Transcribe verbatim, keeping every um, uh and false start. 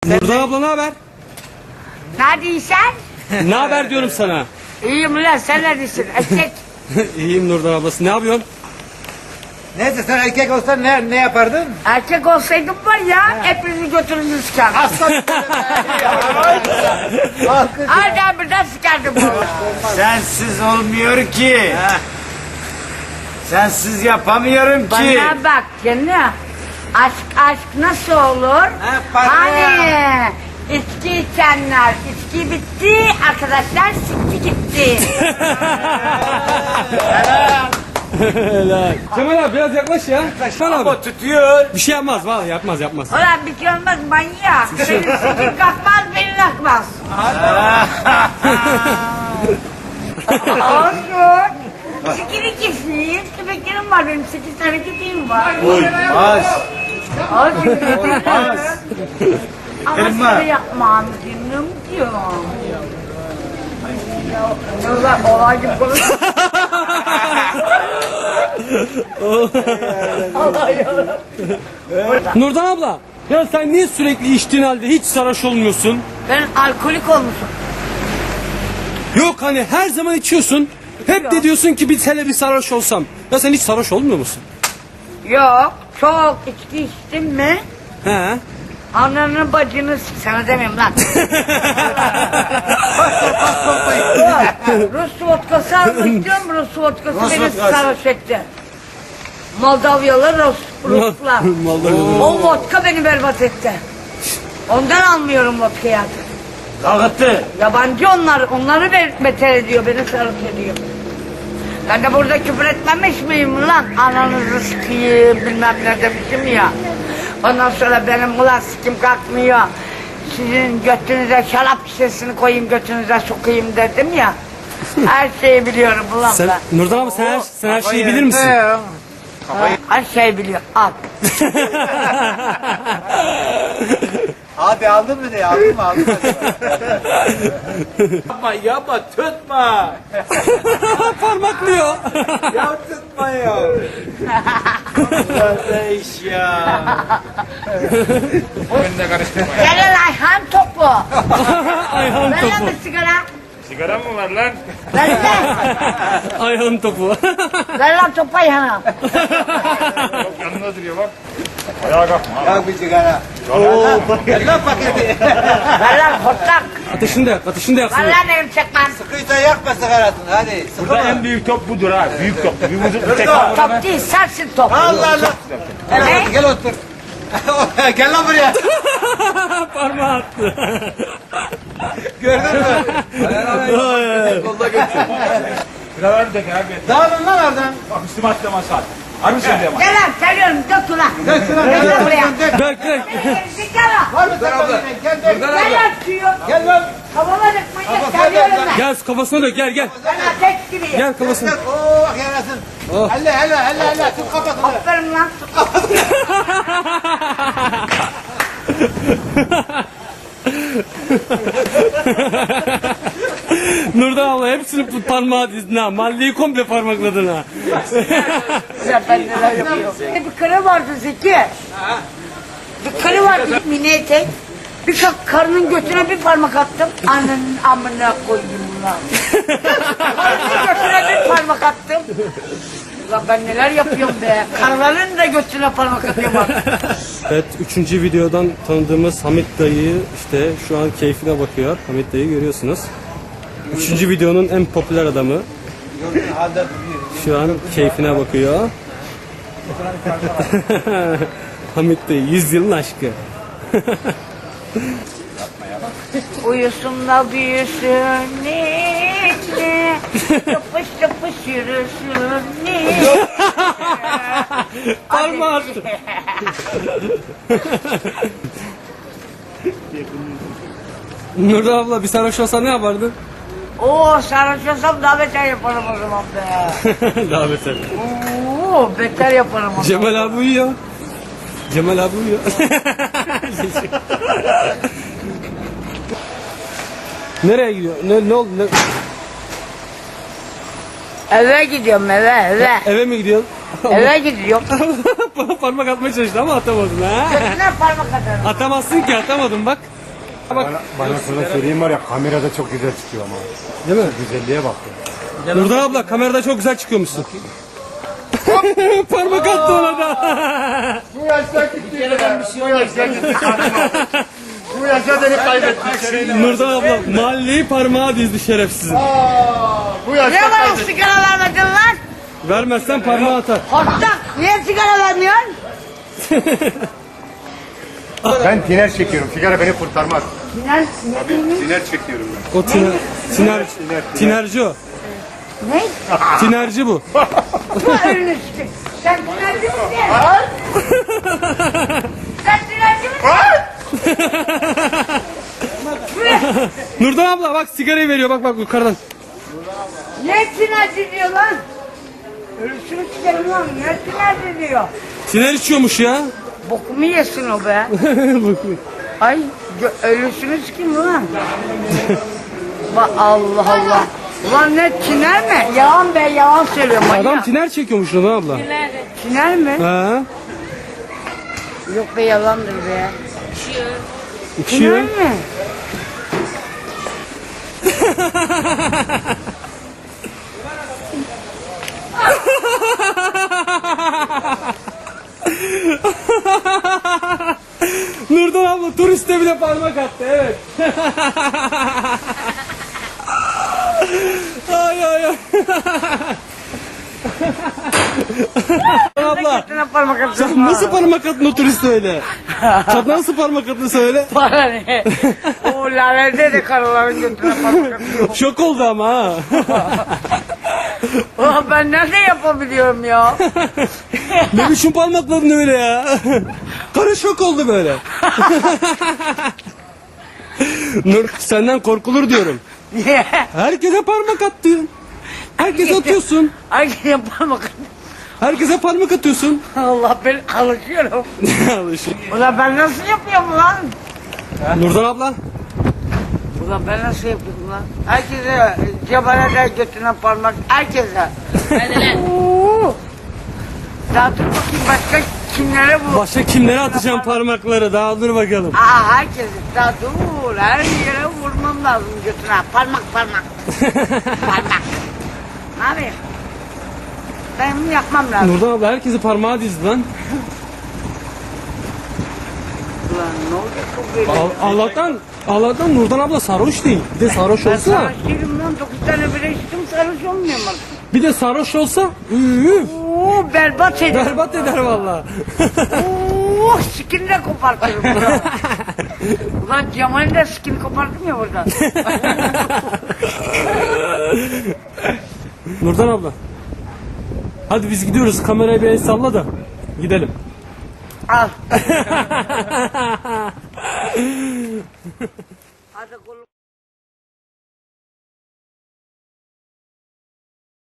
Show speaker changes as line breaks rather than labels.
Nurdan abla ne haber?
Neredeysen?
Ne haber diyorum sana.
İyiyim lan, sen neredesin? Erkek.
İyiyim Nurdan ablası. Ne yapıyorsun?
Neyse sen erkek olsan ne, ne yapardın?
Erkek olsaydım var ya, hepinizi götürünüz sıkardım.
Aslan.
Hadi birden sıkardım valla.
Sensiz olmuyor ki. Sensiz yapamıyorum ki.
Bana bak canım. Aşk aşk nasıl olur?
para.
Hani içki içenler, içki bitti, arkadaşlar sikti gitti.
Helal. Cemal abi biraz yaklaş ya. Yaklaş abi.
O tutuyor.
Bir şey yapmaz vallahi yapmaz yapmaz.
Ulan bir şey olmaz manyak. Senin sikin kalkmaz, benim kalkmaz. Olsun. Sikini keseyim, köpeklerim var benim, sekiz tane köpeğim var.
Olmaz.
Olsun.
Olmaz.
Ama
Elma.
şöyle yapmam dinliyorum diyorum. Ulan olay gibi konuş.
Nurdan abla. Ya sen niye sürekli içtiğin halde hiç sarhoş olmuyorsun?
Ben alkolik olmuşum.
Yok hani her zaman içiyorsun. Hep de diyorsun ki bir hele bir sarhoş olsam. Ya sen hiç sarhoş olmuyor musun?
Yok, çok içki içtim mi?
He.
Ananın bacını s- sana demiyorum lan. Rus vodkası almıştım, Rus vodkası
Rus
beni
vodkası.
sarhoş etti. Moldavyalı Rus, Ruslar.
Moldavyalı.
O vodka beni berbat etti. Ondan almıyorum vodkayı artık.
Dağıttı.
Yabancı onlar, onları be- beter ediyor, beni sarhoş ediyor. Ben de burada küfür etmemiş miyim lan? Ananızı sikiyim, bilmem ne demişim ya. Ondan sonra benim ulan sikim kalkmıyor. Sizin götünüze şarap şişesini koyayım, götünüze sokayım dedim ya. Her şeyi biliyorum ulan
Sen
ben.
Nurdan abla sen her, sen her şeyi bilir misin?
Her şeyi biliyorum. Al.
Abi aldın mı diye aldın mı aldın mı?
Yapma yapma tutma.
Parmaklıyor.
Ya tutma ya. Kardeş ya.
Gel lan Ayhan topu.
Ayhan
Ver lan
topu.
bir sigara.
Sigara mı var lan?
Ver lan.
Ayhan topu.
Ver lan topu Ayhan'a.
Yok yanında duruyor bak. Ayağa kalkma.
Yak bir sigara. Gel lan paketi.
Ver lan hortlak.
Ateşini de yak, ateşini de yaksın.
Ver lan benim çekmem.
Sıkıysa yakma sigarasını hadi.
Burada
Sıkma.
en büyük top budur ha. Büyük top. Bir vücut bir tek
Dur.
Top değil, sensin top.
Allah Allah. Gel,
Ne?
gel otur. Gel lan buraya.
Parmağı attı.
Gördün mü?
Birader de abi.
Dağılın lan oradan.
Bak üstüme atlama saat. Harbi söylüyorum.
Gel lan, geliyorum, dök ulan.
Dök şuna
Gel
dök
lan
lan
buraya.
dök.
Dök dök.
Zikara.
Var mı sen abla? Gel dök.
Gel lan suyu.
Gel lan.
Kafama dök manyak,
Kafasına
geliyorum
dök lan.
ben.
Gel kafasına dök gel gel.
Ben ateş gibiyim.
Gel kafasına.
Dök. Oo bak yarasın.
Oh.
Helle helle helle helle. Tut kafasını.
Aferin lan.
Nurdan abla hepsini bu parmağı dizdin ha. Mahalleyi komple parmakladın ha.
Ya ben neler yapıyorum. Bir karı vardı Zeki. Bir karı vardı mini etek. Bir ka- karının götüne bir parmak attım. Ananın amına koyayım lan. Karının götüne bir parmak attım. Ulan ben neler yapıyorum be. Karıların da götüne parmak atıyorum artık.
Evet, üçüncü videodan tanıdığımız Hamit dayı işte şu an keyfine bakıyor. Hamit dayı görüyorsunuz. Üçüncü videonun en popüler adamı. Şu an keyfine bakıyor. Hamit dayı, yüz yılın aşkı.
Uyusun da büyüsün ninni. Yapış yapış yürüsün ninni.
Parmağı attı. Nurdan abla bir sarhoş olsa ne yapardın?
Oo sarhoş olsam daha beter yaparım o zaman be.
Daha beter.
Oo beter yaparım o zaman.
Cemal abi uyuyor. Cemal abi uyuyor. Nereye gidiyor? Ne, ne oldu? Ne?
Eve gidiyorum eve eve.
Eve mi gidiyorsun?
Eve gidiyorum.
Parmak atmaya çalıştı ama atamadın ha.
Götüne parmak atarım.
Atamazsın ki, atamadın bak.
Bana, bana sana söyleyeyim var ya kamerada çok güzel çıkıyor ama.
Değil mi?
Güzelliğe bak. ya.
Nurdan abla kamerada çok güzel çıkıyormuşsun. Parmak attı ona da.
Bu yaşta gitti. Bu yaşta gitti. Bu yaşta beni kaybetti.
Nurdan abla mahalleyi parmağa dizdi şerefsizin.
Bu yaşta
Niye bana
kaybetti.
sigara vermedin lan?
Vermezsen parmağı atar.
Hortlak. Niye sigara vermiyorsun?
Ben tiner çekiyorum. Sigara beni kurtarmaz.
Sinan, ne dedin?
Tiner çekiyorum ben.
O tiner, tiner, tinerci o.
Ne?
Tinerci bu.
Bu önünü sıkın. Sen tinerci misin? Sen tinerci misin?
Nurdan abla bak sigarayı veriyor bak bak yukarıdan.
Ne tinerci diyor lan? Ölüsünü çıkarım lan. Ne tinerci diyor?
Tiner içiyormuş ya.
Bokumu yesin o be. Ay gö- ölüsünü sikeyim ulan. Bak Allah Allah. Ulan ne tiner mi? Yalan be yalan söylüyor manyak.
Adam tiner çekiyormuş Nurdan abla.
Tiner mi?
Ha?
Yok be yalandır be. Tiner
İçiyor.
mi?
Nurdan abla turiste bile parmak attı evet. ay ay ay. Nurdan abla
Götüne parmak atıyorsun.
sen nasıl parmak attın o turiste öyle? Sen nasıl parmak attın söyle.
Bana ne? O lalede de karıların götüne parmak atıyor.
Şok oldu ama ha.
Ulan ben nerede yapabiliyorum ya?
Ne biçim parmakladın öyle ya? Karı şok oldu böyle. Nur senden korkulur diyorum.
Niye?
Herkese parmak attın. Herkese atıyorsun.
Herkese parmak atıyor.
Herkese parmak atıyorsun.
Allah ben alışıyorum.
Alışık.
Ulan ben nasıl yapıyorum lan?
Nurdan abla.
Ulan ben nasıl yapıyorum lan? Herkese cebalede götüne parmak. Herkese. Hadi lan. Daha dur bakayım başka kimlere bu?
Başka kimlere atacağım parmakları? Daha dur bakalım.
Aa herkese. Daha dur. Her yere vurmam lazım götüne. Parmak parmak. Parmak. Ne yapayım? Benim yapmam lazım.
Nurdan abla herkesi parmağa dizdi lan.
Ulan ne olacak bu böyle?
Al- Allah'tan Allah'tan Nurdan abla sarhoş değil. Bir de sarhoş
Ben
olsa,
sarhoş değilim lan. Dokuz tane bile içtim sarhoş olmuyorum artık.
bir de sarhoş olsa üü,
Oo berbat eder.
berbat eder valla.
Oo sikini de kopartırım burada. Ulan Cemal'in de sikini koparttım ya burada.
Nurdan abla. Hadi biz gidiyoruz. Kamerayı bir el salla da gidelim.
Al. Hadi kolum.